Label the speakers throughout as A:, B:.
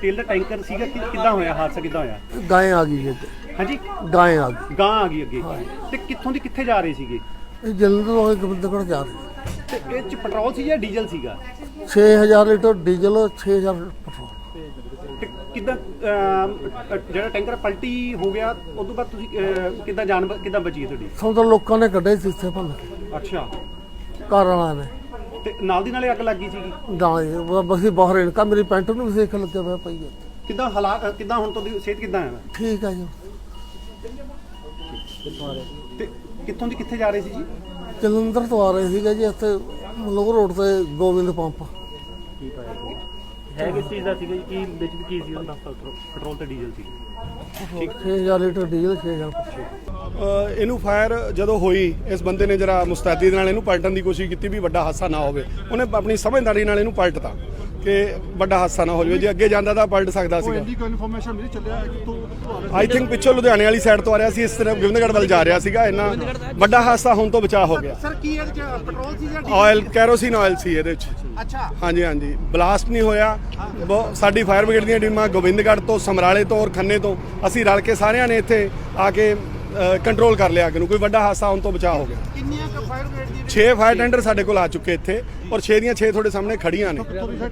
A: तेल का टैंकर सीगा किदां होया हादसा किदां होया?
B: गाय आ गई जी।
A: हाँ जी,
B: गाय आ गई।
A: गां आ गई अगे ते कित्थों दी कित्थे जा रहे सीगे?
B: ਇਹ ਜਲੰਧਰ ਵਾਲੇ ਗੋਬਿੰਦਗੜ੍ਹ ਜਾ ਰਹੇ।
A: ते इह च पेट्रोल सी या डीजल सीगा?
B: 6000 ਲੀਟਰ ਡੀਜ਼ਲ 6000 ਪੈਟਰੋਲ।
A: ਤੇ ਕਿਦਾਂ ਜਿਹੜਾ ਟੈਂਕਰ ਪਲਟੀ ਹੋ ਗਿਆ ਉਸ ਤੋਂ ਬਾਅਦ ਤੁਸੀਂ ਕਿਦਾਂ ਜਾਨ ਕਿਦਾਂ ਬਚੀ ਹੈ ਤੁਹਾਡੀ?
B: ਸਭ ਤੋਂ ਲੋਕਾਂ ਨੇ ਕੱਢੇ ਸੀ ਇੱਥੇ ਭੰਨ ਕੇ,
A: ਅੱਛਾ,
B: ਘਰ ਵਾਲਿਆਂ ਨੇ।
A: ਤੇ ਨਾਲ ਦੀ ਨਾਲੇ ਅੱਗ ਲੱਗ ਗਈ ਸੀਗੀ?
B: ਨਾਲੇ ਬਸੀ ਬਾਹਰ ਇਨਕਾ ਮੇਰੀ ਪੈਂਟ ਨੂੰ ਵੀ ਸੇਕ ਲੱਗਿਆ ਹੋਇਆ ਪਈ ਹੈ।
A: ਕਿਦਾਂ ਹਾਲਾਤ ਕਿਦਾਂ ਹੁਣ ਤੁਹਾਡੀ ਸਿਹਤ ਕਿਦਾਂ ਹੈ?
B: ਠੀਕ ਹੈ ਜੀ।
A: ਤੇ ਕਿੱਥੋਂ ਦੀ ਕਿੱਥੇ ਜਾ ਰਹੇ ਸੀ ਜੀ?
B: ਜਲੰਧਰ ਤੋਂ ਆ ਰਹੇ ਸੀਗੇ ਜੀ, ਇੱਥੇ ਮਲੋਹ ਰੋਡ ਤੇ ਗੋਬਿੰਦ ਪੰਪ।
A: ਕੀ ਪਾਇਆ ਹੈ ਕਿਸ ਚੀਜ਼ ਦਾ ਸੀਗਾ ਜੀ? ਕੀ ਵਿੱਚ ਕੀ ਸੀ ਉਹਦਾ? ਪੈਟਰੋਲ ਤੇ ਡੀਜ਼ਲ ਸੀ।
B: 6000 ਲੀਟਰ ਡੀਜ਼ਲ 6000 ਪੈਟਰੋਲ।
C: ਇਹਨੂੰ ਫਾਇਰ ਜਦੋਂ ਹੋਈ, ਇਸ ਬੰਦੇ ਨੇ ਜਰਾ ਮੁਸਤੈਦੀ ਦੇ ਨਾਲ ਇਹਨੂੰ ਪਲਟਣ ਦੀ ਕੋਸ਼ਿਸ਼ ਕੀਤੀ ਵੀ ਵੱਡਾ ਹਾਦਸਾ ਨਾ ਹੋਵੇ। ਉਹਨੇ ਆਪਣੀ ਸਮਝਦਾਰੀ ਨਾਲ ਇਹਨੂੰ ਪਲਟਤਾ ਕਿ ਵੱਡਾ ਹਾਦਸਾ ਨਾ ਹੋ ਜਾਵੇ। ਜੇ ਅੱਗੇ ਜਾਂਦਾ ਤਾਂ ਪਲਟ ਸਕਦਾ ਸੀ। ਆਈ ਥਿੰਕ ਪਿੱਛੋਂ ਲੁਧਿਆਣੇ ਵਾਲੀ ਸਾਈਡ ਤੋਂ ਆ ਰਿਹਾ ਸੀ, ਇਸ ਤਰ੍ਹਾਂ ਗੋਬਿੰਦਗੜ੍ਹ ਵੱਲ ਜਾ ਰਿਹਾ ਸੀਗਾ। ਇੰਨਾ ਵੱਡਾ ਹਾਦਸਾ ਹੋਣ ਤੋਂ ਬਚਾਅ ਹੋ ਗਿਆ।
A: ਸਰ ਕੀ ਇਹਦੇ ਚ ਪੈਟਰੋਲ ਸੀ ਜਾਂ
C: ਆਇਲ, ਕੈਰੋਸਿਨ ਆਇਲ ਸੀ ਇਹਦੇ ਵਿੱਚ।
A: ਅੱਛਾ,
C: ਹਾਂਜੀ ਹਾਂਜੀ, ਬਲਾਸਟ ਨਹੀਂ ਹੋਇਆ। ਸਾਡੀ ਫਾਇਰ ਬ੍ਰਿਗੇਡ ਦੀਆਂ ਟੀਮਾਂ ਗੋਬਿੰਦਗੜ੍ਹ ਤੋਂ, ਸਮਰਾਲੇ ਤੋਂ ਔਰ ਖੰਨੇ ਤੋਂ ਅਸੀਂ ਰਲ ਕੇ ਸਾਰਿਆਂ ਨੇ ਇੱਥੇ ਆ ਕੇ ਕੰਟਰੋਲ ਕਰ ਲਿਆ ਅੱਗ ਨੂੰ। ਕੋਈ ਵੱਡਾ ਹਾਦਸਾ ਹੋਣ ਤੋਂ ਬਚਾਅ ਹੋ ਗਿਆ।
A: ਕਿੰਨੀਆਂ ਕ ਫਾਇਰ ਬ੍ਰਿਗੇਡ ਦੀਆਂ
C: 6 ਫਾਇਰ ਟੈਂਡਰ ਸਾਡੇ ਕੋਲ ਆ ਚੁੱਕੇ ਇੱਥੇ, ਔਰ 6 ਦੀਆਂ 6 ਤੁਹਾਡੇ ਸਾਹਮਣੇ ਖੜੀਆਂ ਨੇ।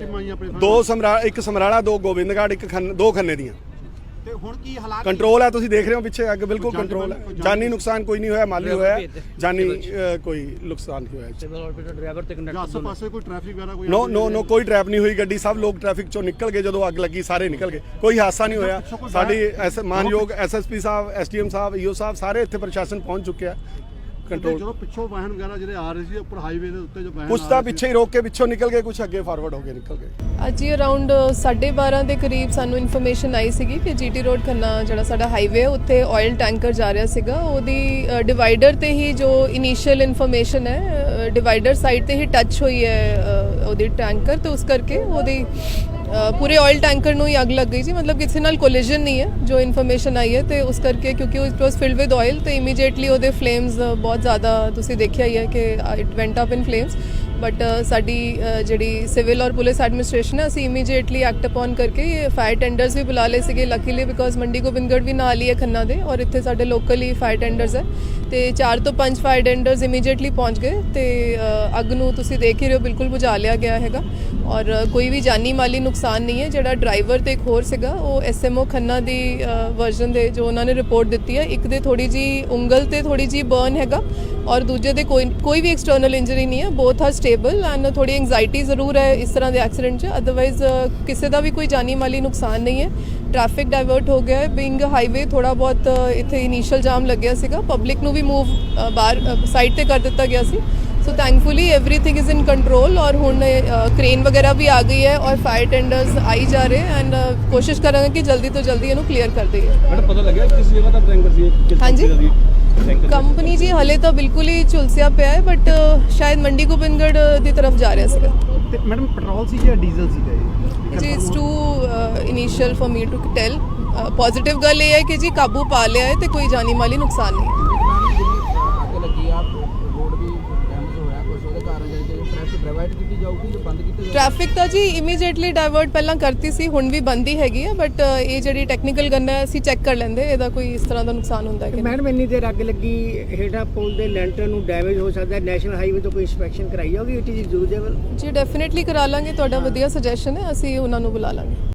C: ਇੱਕ ਸਮਰਾਲਾ, 2 ਗੋਬਿੰਦਗੜ੍ਹ, ਦੋ ਖੰਨੇ ਦੀਆਂ।
A: ਤੇ ਹੁਣ ਕੀ ਹਾਲਾਤ
C: ਕੰਟਰੋਲ ਹੈ, ਤੁਸੀਂ ਦੇਖ ਰਹੇ ਹੋ ਪਿੱਛੇ ਅੱਗ ਬਿਲਕੁਲ ਕੰਟਰੋਲ ਹੈ। ਜਾਨੀ ਨੁਕਸਾਨ ਕੋਈ ਨਹੀਂ ਹੋਇਆ, ਮਾਲੀ ਹੋਇਆ, ਜਾਨੀ ਕੋਈ ਨੁਕਸਾਨ ਨਹੀਂ ਹੋਇਆ।
A: ਡਰਾਈਵਰ ਤੇ ਕੰਡਕਟਰ ਆਸੇ ਪਾਸੇ ਕੋਈ ਟ੍ਰੈਫਿਕ ਵਗੈਰਾ ਕੋਈ?
C: ਨੋ ਕੋਈ ਟ੍ਰੈਪ ਨਹੀਂ ਹੋਈ ਗੱਡੀ। ਸਭ ਲੋਕ ਟ੍ਰੈਫਿਕ ਚੋਂ ਨਿਕਲ ਗਏ, ਜਦੋਂ ਅੱਗ ਲੱਗੀ ਸਾਰੇ ਨਿਕਲ ਗਏ, ਕੋਈ ਹਾਦਸਾ ਨਹੀਂ ਹੋਇਆ। ਸਾਡੀ ਮਾਨਯੋਗ ਐਸਐਸਪੀ ਸਾਹਿਬ, ਐਸਡੀਐਮ ਸਾਹਿਬ, ਈਓ ਸਾਹਿਬ ਸਾਰੇ ਇੱਥੇ ਪ੍ਰਸ਼ਾਸਨ ਪਹੁੰਚ ਚੁੱਕਿਆ। ਕੰਟਰੋਲ
D: ਜਦੋਂ ਪਿੱਛੋਂ ਵਾਹਨ ਵਗੈਰਾ ਜਿਹੜੇ ਆ ਰਹੇ ਸੀ ਉੱਪਰ ਹਾਈਵੇ ਦੇ ਉੱਤੇ, ਜੋ ਵਾਹਨ
C: ਕੁਛ ਤਾਂ ਪਿੱਛੇ ਹੀ ਰੋਕ ਕੇ ਪਿੱਛੋਂ ਨਿਕਲ ਗਏ, ਕੁਛ ਅੱਗੇ ਫਾਰਵਰਡ ਹੋ ਕੇ ਨਿਕਲ ਗਏ।
E: ਅੱਜ ਹੀ ਅਰਾਊਂਡ 12:30 ਦੇ ਕਰੀਬ ਸਾਨੂੰ ਇਨਫੋਰਮੇਸ਼ਨ ਆਈ ਸੀਗੀ ਕਿ ਜੀਟੀ ਰੋਡ ਖੰਨਾ ਜਿਹੜਾ ਸਾਡਾ ਹਾਈਵੇ ਉੱਥੇ ਆਇਲ ਟੈਂਕਰ ਜਾ ਰਿਹਾ ਸੀਗਾ। ਉਹਦੀ ਡਿਵਾਈਡਰ ਤੇ ਹੀ ਜੋ ਇਨੀਸ਼ੀਅਲ ਇਨਫੋਰਮੇਸ਼ਨ ਹੈ, ਡਿਵਾਈਡਰ ਸਾਈਡ ਤੇ ਹੀ ਟੱਚ ਹੋਈ ਹੈ ਉਹਦੀ ਟੈਂਕਰ, ਤੇ ਉਸ ਕਰਕੇ ਉਹਦੀ ਪੂਰੇ ਆਇਲ ਟੈਂਕਰ ਨੂੰ ਹੀ ਅੱਗ ਲੱਗ ਗਈ ਸੀ। ਮਤਲਬ ਕਿਸੇ ਨਾਲ ਕੋਲੀਜਨ ਨਹੀਂ ਹੈ ਜੋ ਇਨਫੋਰਮੇਸ਼ਨ ਆਈ ਹੈ। ਤੇ ਉਸ ਕਰਕੇ ਕਿਉਂਕਿ it was filled with oil, ਤੇ ਇਮੀਡੀਏਟਲੀ ਉਹਦੇ ਫਲੇਮਸ ਬਹੁਤ ਜ਼ਿਆਦਾ ਤੁਸੀਂ ਦੇਖਿਆ ਹੀ ਹੈ ਕਿ it went up in flames. But ਸਾਡੀ ਜਿਹੜੀ ਸਿਵਲ ਔਰ ਪੁਲਿਸ ਐਡਮਿਨਿਸਟ੍ਰੇਸ਼ਨ ਹੈ, ਅਸੀਂ ਇਮੀਡੀਏਟਲੀ ਐਕਟ ਅਪਨ ਕਰਕੇ ਫਾਇਰ ਟੈਂਡਰਸ ਵੀ ਬੁਲਾ ਲਏ ਸੀਗੇ ਲੱਕੀਲੀ, ਬਿਕੋਜ਼ ਮੰਡੀ ਗੋਬਿੰਦਗੜ੍ਹ ਵੀ ਨਾਲ ਹੀ ਹੈ ਖੰਨਾ ਦੇ, ਔਰ ਇੱਥੇ ਸਾਡੇ ਲੋਕਲ ਹੀ ਫਾਇਰ ਟੈਂਡਰਸ ਹੈ। ਤੇ 4 ਤੋਂ 5 ਫਾਇਰ ਟੈਂਡਰਸ ਇਮੀਡੀਏਟਲੀ ਪਹੁੰਚ ਗਏ ਤੇ ਅੱਗ ਨੂੰ ਤੁਸੀਂ ਦੇਖ ਹੀ ਰਹੇ ਹੋ ਬਿਲਕੁਲ ਬੁਝਾ ਲਿਆ ਗਿਆ ਹੈਗਾ, ਔਰ ਕੋਈ ਵੀ ਜਾਨੀ ਮਾਲੀ ਨੁਕਸਾਨ ਨਹੀਂ ਹੈ। ਜਿਹੜਾ ਡਰਾਈਵਰ ਤੇ ਇੱਕ ਹੋਰ ਸੀਗਾ, ਉਹ ਐਸਐਮਓ ਖੰਨਾ ਦੀ ਵਰਜ਼ਨ ਦੇ ਜੋ ਉਹਨਾਂ ਨੇ ਰਿਪੋਰਟ ਦਿੱਤੀ ਹੈ, ਇੱਕ ਦੇ ਥੋੜੀ ਜੀ ਉਂਗਲ ਤੇ ਥੋੜੀ ਜੀ ਬਰਨ ਹੈਗਾ, ਔਰ ਦੂਜੇ ਦੇ ਕੋਈ ਵੀ ਐਕਸਟਰਨਲ ਇੰਜਰੀ ਨਹੀਂ ਹੈ। ਬੋਥ ਆਰ ਸਟੇਬਲ ਐਂਡ ਥੋੜੀ ਐਂਗਜ਼ਾਈਟੀ ਜ਼ਰੂਰ ਹੈ ਇਸ ਤਰ੍ਹਾਂ ਦੇ ਐਕਸੀਡੈਂਟ 'ਚ, ਅਦਰਵਾਈਜ਼ ਕਿਸੇ ਦਾ ਵੀ ਕੋਈ ਜਾਨੀ ਮਾਲੀ ਨੁਕਸਾਨ ਨਹੀਂ ਹੈ। ਟ੍ਰੈਫਿਕ ਡਾਇਵਰਟ ਹੋ ਗਿਆ ਹੈ, ਬਿੰਗ ਹਾਈਵੇ ਥੋੜਾ ਬਹੁਤ ਇੱਥੇ ਇਨੀਸ਼ੀਅਲ ਜਾਮ ਲੱਗਿਆ ਸੀਗਾ, ਪਬਲਿਕ ਨੂੰ ਵੀ ਮੂਵ ਬਾਹਰ ਸਾਈਡ ਤੇ ਕਰ ਦਿੱਤਾ ਗਿਆ ਸੀ। So thankfully everything is in control, ਔਰ ਹੁਣ ਕ੍ਰੇਨ ਵਗੈਰਾ ਵੀ ਆ ਗਈ ਹੈ ਔਰ ਫਾਇਰ ਟੈਂਡਰਸ ਆਈ ਜਾ ਰਹੇ ਐਂਡ ਕੋਸ਼ਿਸ਼ ਕਰਾਂਗੇ ਕਿ ਜਲਦੀ ਤੋਂ ਜਲਦੀ ਇਹਨੂੰ ਕਲੀਅਰ ਕਰ ਦਈਏ।
A: ਮੈਡਮ ਪਤਾ ਲੱਗਿਆ ਕਿਸ ਜਗ੍ਹਾ ਦਾ ਟੈਂਕਰ ਸੀ?
E: ਹਾਂਜੀ, ਕੰਪਨੀ ਜੀ ਹਲੇ ਤਾਂ ਬਿਲਕੁਲ ਹੀ ਝੁਲਸਿਆ ਪਿਆ ਹੈ, ਬਟ ਸ਼ਾਇਦ ਮੰਡੀ ਗੋਬਿੰਦਗੜ੍ਹ ਦੀ ਤਰਫ ਜਾ ਰਿਹਾ ਸੀਗਾ।
A: ਤੇ ਮੈਡਮ ਪੈਟਰੋਲ ਸੀ ਜਾਂ ਡੀਜ਼ਲ ਸੀਗਾ ਇਹ?
E: ਜੀ it's too initial for me to tell. Positive ਗੱਲ ਇਹ ਹੈ ਕਿ ਜੀ ਕਾਬੂ ਪਾ ਲਿਆ ਹੈ ਤੇ ਕੋਈ ਜਾਨੀ ਮਾਲੀ ਨੁਕਸਾਨ ਨਹੀਂ ਹੈ। ਟ੍ਰੈਫਿਕ ਤਾਂ ਜੀ ਇਮੀਡੀਏਟਲੀ ਡਾਇਵਰਟ ਪਹਿਲਾਂ ਕਰਤੀ ਸੀ, ਹੁਣ ਵੀ ਬੰਦ ਹੀ ਹੈਗੀ ਹੈ, ਬਟ ਇਹ ਜਿਹੜੀ ਟੈਕਨੀਕਲ ਗੰਨ ਹੈ ਅਸੀਂ ਚੈੱਕ ਕਰ ਲੈਂਦੇ ਇਹਦਾ ਕੋਈ ਇਸ ਤਰ੍ਹਾਂ ਦਾ ਨੁਕਸਾਨ ਹੁੰਦਾ ਹੈ ਕਿ
F: ਮੈਡਮ ਇੰਨੀ ਦੇਰ ਅੱਗ ਲੱਗੀ, ਹੇਠਾਂ ਪੁਲ ਦੇ ਲੈਂਟਰ ਨੂੰ ਡੈਮੇਜ ਹੋ ਸਕਦਾ ਹੈ, ਨੈਸ਼ਨਲ ਹਾਈਵੇ ਤੋਂ ਕੋਈ ਇੰਸਪੈਕਸ਼ਨ ਕਰਾਈ ਹੋਗੀ? It is usable?
E: ਜੀ ਡੈਫੀਨਿਟਲੀ ਕਰਾ ਲਾਂਗੇ, ਤੁਹਾਡਾ ਵਧੀਆ ਸੁਜੈਸ਼ਨ ਹੈ, ਅਸੀਂ ਉਹਨਾਂ ਨੂੰ ਬੁਲਾ ਲਾਂਗੇ।